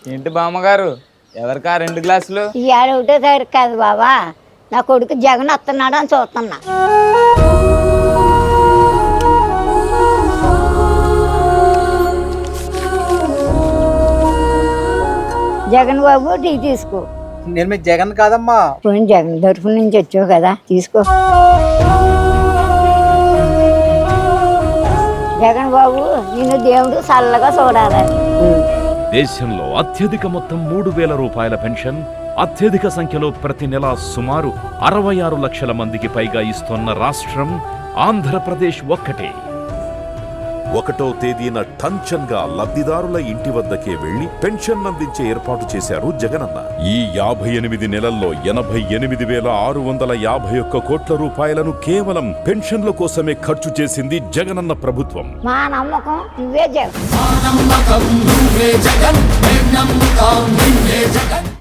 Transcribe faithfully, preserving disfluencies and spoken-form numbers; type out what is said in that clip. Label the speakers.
Speaker 1: ఏంటి బామ్మగారు ఎవరికా రెండు గ్లాసులు?
Speaker 2: ఇవాళ ఒకటో తారీఖు కాదు బాబా, నా కొడుకు జగన్ వస్తున్నాడు అని చూస్తున్నా. జగన్ బాబు టీ తీసుకో.
Speaker 3: నేను మీ జగన్ కాదమ్మా.
Speaker 2: పోనీ జగన్ తరఫు నుంచి వచ్చావు కదా, తీసుకో. జగన్ బాబు నిన్ను దేవుడు చల్లగా చూడాలి.
Speaker 4: దేశంలో అత్యధిక మొత్తం మూడు వేల రూపాయల పెన్షన్ అత్యధిక సంఖ్యలో ప్రతి నెల సుమారు అరవై ఆరు లక్షల మందికి పైగా ఇస్తున్న రాష్ట్రం ఆంధ్రప్రదేశ్ ఒక్కటే.
Speaker 5: ఒకటో తేదీన టంచన్ గా లబ్ధిదారుల ఇంటి వద్దకే వెళ్లి పెన్షన్ అందించే ఏర్పాటు చేశారు జగనన్న. ఈ యాభై ఎనిమిది నెలల్లో ఎనభై ఎనిమిది వేల ఆరు వందల యాభై ఒక్క కోట్ల రూపాయలను కేవలం పెన్షన్ల కోసమే ఖర్చు చేసింది జగనన్న ప్రభుత్వం.
Speaker 2: మా నమ్మకం నువ్వే జగన్.